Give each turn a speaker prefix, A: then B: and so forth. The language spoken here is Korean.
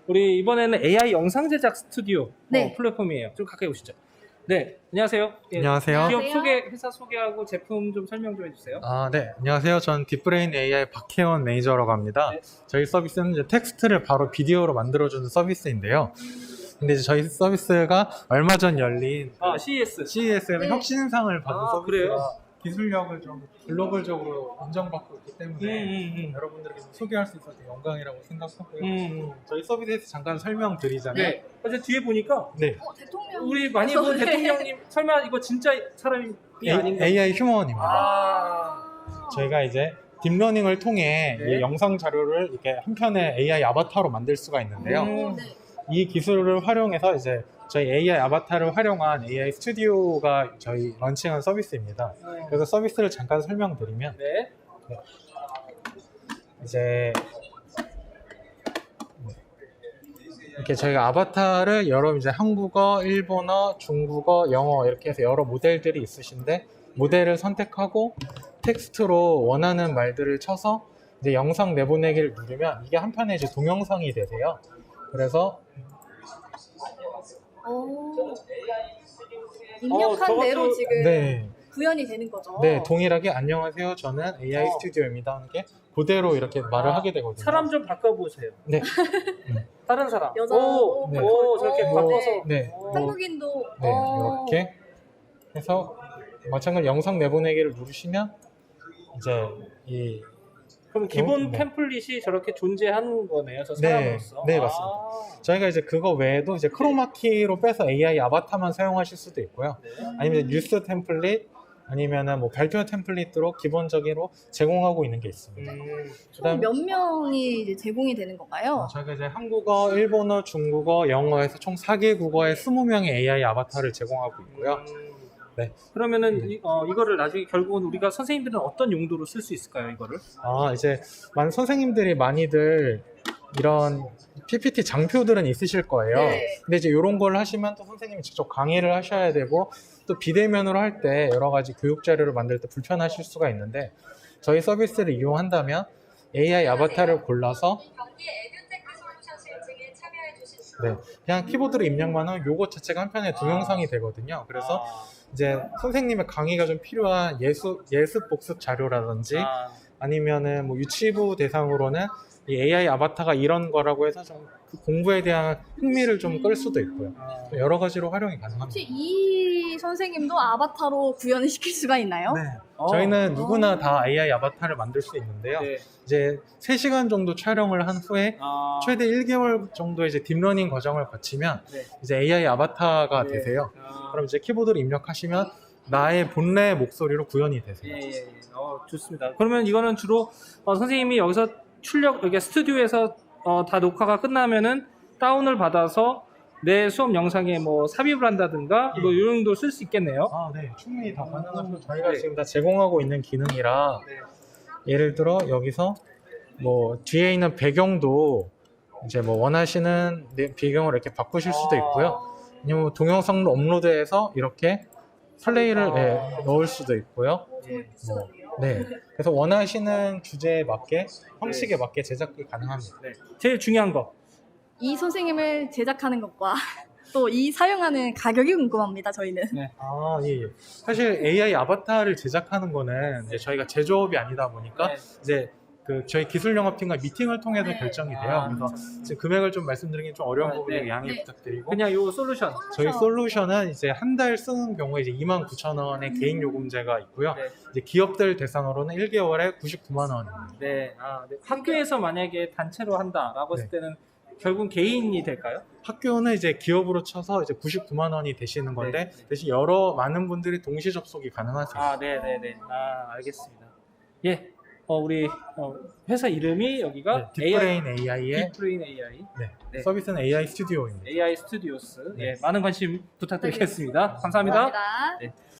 A: 우리 이번에는 AI 영상 제작 스튜디오
B: 네.
A: 플랫폼이에요. 좀 가까이 오시죠. 네, 안녕하세요. 예,
C: 안녕하세요.
A: 기업
B: 안녕하세요.
A: 소개, 회사 소개하고 제품 좀 설명 좀 해주세요.
C: 네. 안녕하세요. 전 딥브레인 AI 박혜원 매니저라고 합니다.
A: 네.
C: 저희 서비스는 이제 텍스트를 바로 비디오로 만들어주는 서비스인데요. 근데 이제 저희 서비스가 얼마 전 열린
A: CES.
C: CES의
B: 네.
C: 혁신상을 받은 서비스가
A: 그래요?
C: 기술력을 좀 글로벌적으로 인정받고 있기 때문에
A: 음.
C: 여러분들에게 좀 소개할 수 있어서 영광이라고 생각하고요.
A: 음.
C: 저희 서비스에서 잠깐 설명드리자면
A: 네. 어제 뒤에 보니까
C: 네.
B: 대통령.
A: 우리 많이 본
B: 네.
A: 대통령님 설마 이거 진짜 사람이 아닌가?
C: AI 휴먼입니다.
A: 아.
C: 저희가 이제 딥러닝을 통해
A: 네.
C: 이 영상 자료를 이렇게 한 편의 AI 아바타로 만들 수가 있는데요.
A: 음.
B: 네.
C: 이 기술을 활용해서 이제 저희 AI 아바타를 활용한 AI 스튜디오가 저희 런칭한 서비스입니다. 그래서 서비스를 잠깐 설명드리면
A: 네.
C: 이제 이렇게 저희가 아바타를 여러 이제 한국어, 일본어, 중국어, 영어 이렇게 해서 여러 모델들이 있으신데 모델을 선택하고 텍스트로 원하는 말들을 쳐서 이제 영상 내보내기를 누르면 이게 한편의 이제 동영상이 되세요. 그래서
B: 입력한
A: 저것도-
B: 대로 지금
C: 네,
B: 구현이 되는 거죠.
C: 네 동일하게 안녕하세요. 저는 AI 스튜디오입니다. 하는 게 그대로 이렇게 말을 하게 되거든요.
A: 사람 좀 바꿔보세요.
C: 네,
A: 다른 사람.
B: 여자.
A: 오,
C: 네.
A: 오, 저렇게
B: 오,
A: 바꿔서.
C: 네.
A: 오.
B: 한국인도.
C: 네 이렇게 해서 마찬가지로 영상 내보내기를 누르시면 이제 이
A: 그럼 기본
C: 네.
A: 템플릿이 저렇게 존재하는 거네요, 저
C: 네,
A: 사람으로서.
C: 네, 맞습니다. 저희가 이제 그거 외에도 이제 크로마키로 빼서 AI 아바타만 사용하실 수도 있고요.
A: 네.
C: 아니면 이제 뉴스 템플릿 아니면은 뭐 발표 템플릿으로 기본적으로 제공하고 있는 게 있습니다.
B: 총 몇 명이 이제 제공이 되는 건가요?
C: 저희가 이제 한국어, 일본어, 중국어, 영어에서 총 4개 국어에 20명의 AI 아바타를 제공하고 있고요. 네.
A: 그러면은 이거를 나중에 결국은 우리가 선생님들은 어떤 용도로 쓸 수 있을까요, 이거를?
C: 이제 많은 선생님들이 많이들 이런 PPT 장표들은 있으실 거예요.
B: 네.
C: 근데 이제 이런 걸 하시면 또 선생님이 직접 강의를 하셔야 되고 또 비대면으로 할 때 여러 가지 교육 자료를 만들 때 불편하실 수가 있는데 저희 서비스를 이용한다면 AI 아바타를 골라서 네, 그냥 키보드로 입력만 하면 요거 자체가 한 편의 동영상이 되거든요. 그래서 이제 선생님의 강의가 좀 필요한 예습 복습 자료라든지 아니면은 뭐 유치부 대상으로는 이 AI 아바타가 이런 거라고 해서 좀 그 공부에 대한 흥미를 좀 끌 수도 있고요. 여러 가지로 활용이 가능합니다.
B: 혹시 이 선생님도 아바타로 구현을 시킬 수가 있나요?
C: 네. 저희는 누구나 다 AI 아바타를 만들 수 있는데요.
A: 네.
C: 이제 3시간 정도 촬영을 한 후에 최대 1개월 정도 이제 딥러닝 과정을 거치면
A: 네.
C: 이제 AI 아바타가
A: 네.
C: 되세요. 그럼 이제 키보드를 입력하시면 나의 본래 목소리로 구현이 되세요.
A: 예. 좋습니다. 그러면 이거는 주로 선생님이 여기서 여기 스튜디오에서 다 녹화가 끝나면은 다운을 받아서 내 수업 영상에 뭐 삽입을 한다든가 뭐 이런 정도 쓸 수 있겠네요.
C: 네. 충분히 다 가능하고 저희가 지금 다 제공하고 있는 기능이라 예를 들어 여기서 뭐 뒤에 있는 배경도 이제 뭐 원하시는 배경을 이렇게 바꾸실 수도 있고요. 아니면 뭐 동영상도 업로드해서 이렇게 플레이를 넣을 수도 있고요. 뭐, 네. 그래서 원하시는 주제에 맞게 형식에 맞게 제작이 가능합니다.
A: 네. 제일 중요한 거.
B: 이 선생님을 제작하는 것과 또 이 사용하는 가격이 궁금합니다. 저희는.
C: 예. 사실 AI 아바타를 제작하는 거는 이제 저희가 제조업이 아니다 보니까
A: 네.
C: 이제 그 저희 기술 영업팀과 미팅을 통해서 결정이 돼요. 그래서 지금 금액을 좀 말씀드리기 좀 어려운 부분에 양해
B: 네.
C: 부탁드리고
A: 그냥 요 솔루션.
C: 저희 솔루션은 이제 한 달 쓰는 경우에 이제 29,000원의 개인 요금제가 있고요.
A: 네.
C: 이제 기업들 대상으로는 1개월에 99만 원입니다.
A: 네. 네. 학교에서 만약에 단체로 한다라고 했을
C: 네.
A: 때는 결국은 개인이 될까요?
C: 학교는 이제 기업으로 쳐서 이제 99만 원이 되시는 건데
A: 네.
C: 대신 많은 분들이 동시 접속이 가능하세요.
A: 네네네. 알겠습니다. 예. 우리 회사 이름이 여기가
C: 딥브레인 AI의
A: 딥브레인 AI. 네.
C: 서비스는 AI 스튜디오입니다.
A: AI 스튜디오스.
C: 네.
A: 예. 많은 관심 부탁드리겠습니다. 감사합니다.
B: 감사합니다.
A: 네.